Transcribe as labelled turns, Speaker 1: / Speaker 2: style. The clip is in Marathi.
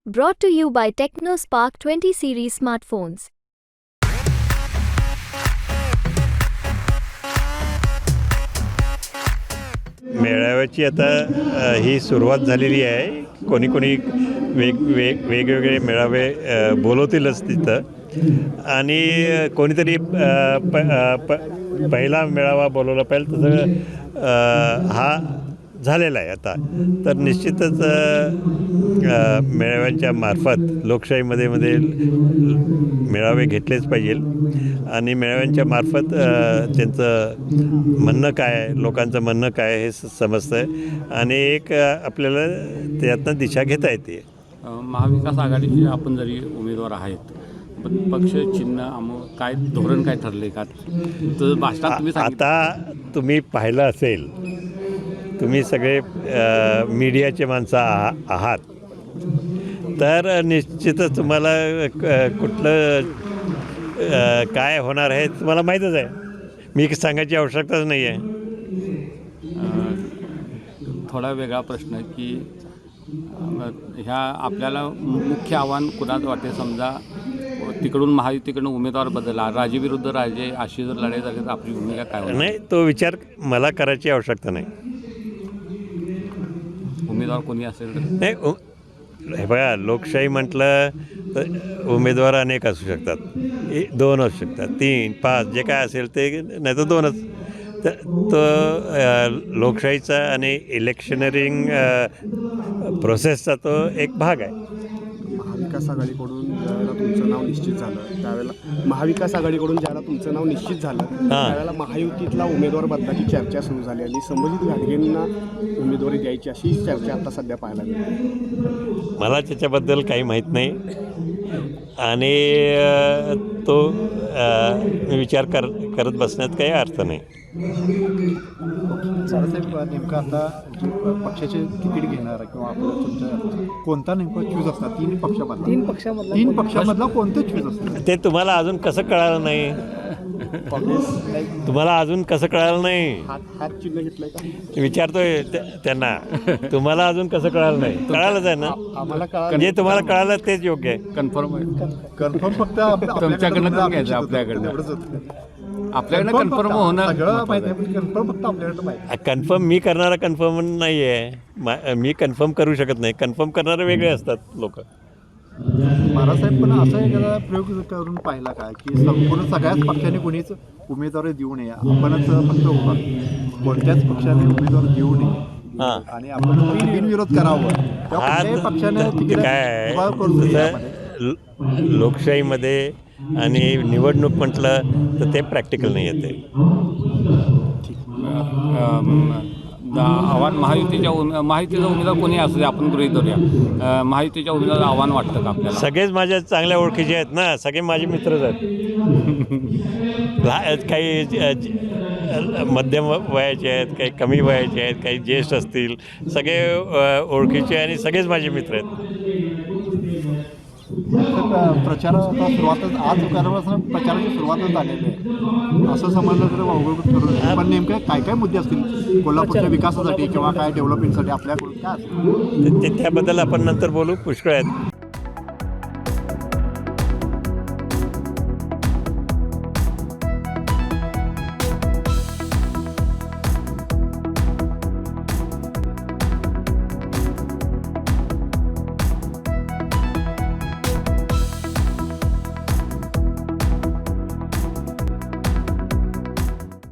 Speaker 1: Brought to you by TechnoSpark 20 series smartphones.
Speaker 2: मेळाव्याची आता ही सुरुवात झालेली आहे. कोणी वेगवेगळे मेळावे बोलवतीलच तिथं आणि कोणीतरी पहिला मेळावा बोलवला पाहिजे तसं हा झालेला आहे आता. तर निश्चितच मेळाव्यांच्या मार्फत लोकशाहीमध्ये मेळावे घेतलेच पाहिजे आणि मेळाव्यांच्या मार्फत त्यांचं म्हणणं काय आहे, लोकांचं म्हणणं काय आहे हे समजतं आहे आणि एक आपल्याला त्यातनं दिशा घेता येते.
Speaker 3: महाविकास आघाडीचे आपण जरी उमेदवार आहेत पण पक्ष चिन्ह काय धोरण काय ठरले का तर भाषणात तुम्ही
Speaker 2: आता तुम्ही पाहिलं असेल, तुम्ही सगळे मीडियाचे माणसं आहात, तर निश्चितच तुम्हाला कुठलं काय होणार आहे तुम्हाला माहीतच आहे. मी सांगायची आवश्यकताच नाही आहे.
Speaker 3: थोडा वेगळा प्रश्न की ह्या आपल्याला मुख्य आव्हान कुणाचं वाटते? समजा तिकडून महायुतीकडून उमेदवार बदलला, राजे विरुद्ध राजे अशी जर लढाई झाली तर आपली भूमिका काय होणार?
Speaker 2: नाही, तो विचार मला करायची आवश्यकता नाही.
Speaker 3: उमेदवार कोणी असेल
Speaker 2: नाही, हे बघा, लोकशाही म्हटलं तर उमेदवार अनेक असू शकतात. 2 असू शकतात, 3, 5 जे काय असेल ते, नाही तर 2च. तर तो लोकशाहीचा आणि इलेक्शनरिंग प्रोसेसचा तो एक भाग आहे.
Speaker 4: महाविकास आघाडीकडून ज्यावेळेला तुमचं नाव निश्चित झालं त्यावेळेला महायुतीतला उमेदवार बदलाची चर्चा सुरू झाली आणि संबंधित घाटगेंना उमेदवारी द्यायची अशी चर्चा आता सध्या पाहायला मिळते.
Speaker 2: मला त्याच्याबद्दल काही माहीत नाही आणि तो विचार करत बसण्यात काही अर्थ नाही.
Speaker 5: साहेब, नेमकं आता जे पक्षाचे तिकीट घेणार किंवा आपलं तुमच्या कोणता नेमका चूज असतात? 3 पक्षामधला कोणतं चूज असतं
Speaker 2: ते तुम्हाला अजून कसं कळालं नाही? तुम्हाला अजून कसं कळालं नाही?
Speaker 4: हात चिन्ह घेतलंय का?
Speaker 2: विचारतोय त्यांना. तुम्हाला अजून कसं कळालं नाही? कळालंच आहे ना.
Speaker 4: आम्हाला
Speaker 2: जे तुम्हाला कळालं तेच योग्य आहे.
Speaker 3: कन्फर्म
Speaker 5: फक्त
Speaker 3: तुमच्याकडनं घ्यायचं आपल्याकडनं कन्फर्म होणं
Speaker 5: सगळं माहिती आहे, कन्फर्म फक्त आपल्याकडं माहिती.
Speaker 2: कन्फर्म मी करणारा कन्फर्म नाही आहे. मी कन्फर्म करू शकत नाही. कन्फर्म करणारे वेगळे असतात लोक.
Speaker 5: महाराजसाहेब, पण असा एखादा प्रयोग करून पाहिला का की संपूर्ण सगळ्याच पक्षाने कोणीच उमेदवारी देऊ नये, आपणच फक्त उभा, कोणत्याच पक्षाने उमेदवार देऊ नये आणि आपण बिनविरोध करावं, पक्षाने
Speaker 2: काय लोकशाहीमध्ये आणि निवडणूक म्हटलं तर ते प्रॅक्टिकल नाही येते.
Speaker 3: आव्हान महायुतीचा उमेदवार कोणी असू दे, आपण गृहीत धरूया, महायुतीच्या उमेदवार आव्हान वाटतं का आपल्याला?
Speaker 2: सगळेच माझ्या चांगल्या ओळखीचे आहेत ना, सगळे माझे मित्रच आहेत. काही मध्यम वयाचे आहेत, काही कमी वयाचे आहेत, काही ज्येष्ठ असतील, सगळे ओळखीचे आणि सगळेच माझे मित्र आहेत.
Speaker 5: प्रचाराचा सुरुवातच आज करापासून प्रचाराची सुरुवातच झालेली आहे असं समजलं तर अवघड ठरवलं. पण नेमकं काय काय मुद्दे असतील कोल्हापूरच्या विकासासाठी किंवा काय डेव्हलपमेंटसाठी आपल्याकडून काय असेल
Speaker 2: त्याबद्दल आपण नंतर बोलू. पुष्कळ आहेत.